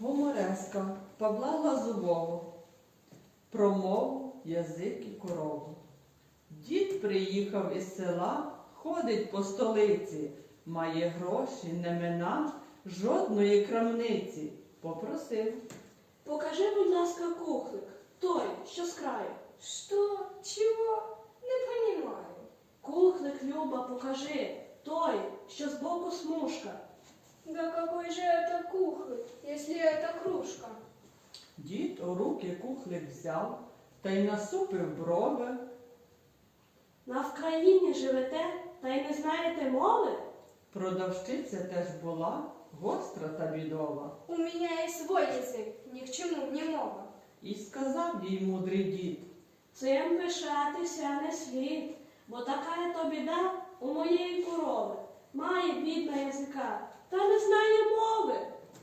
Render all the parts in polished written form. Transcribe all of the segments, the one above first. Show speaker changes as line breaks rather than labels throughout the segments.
Гумореска Павла Глазового про мову, язик і корову. Дід приїхав із села, ходить по столиці, має гроші, не мина жодної крамниці. Попросив:
покажи, будь ласка, кухлик, той, що з краю.
Что? Чего? Не понимаю.
Кухлик, Люба, покажи, той, що збоку смужка.
Да какой же это кухлик, если это кружка?
Дід у руки кухлик взяв та й насупив брови.
На Вкраїні живете, та й не знаєте мови?
Продавщиця теж була гостра та бідова.
У меня есть свой язык, ни к чему не мова.
І сказав їй мудрий дід:
Цим пишатися не слід, бо така то біда у моєї корови. Має бідна язика, та не знає мови.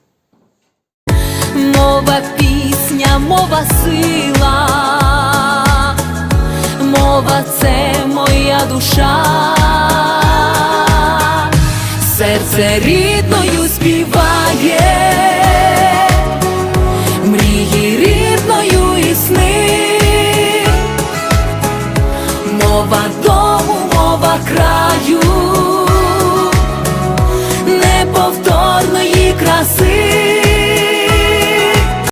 Мова пісня, мова сила, мова це моя душа, серце рідною співає, мрії рідною і сни, мова дому, мова краю.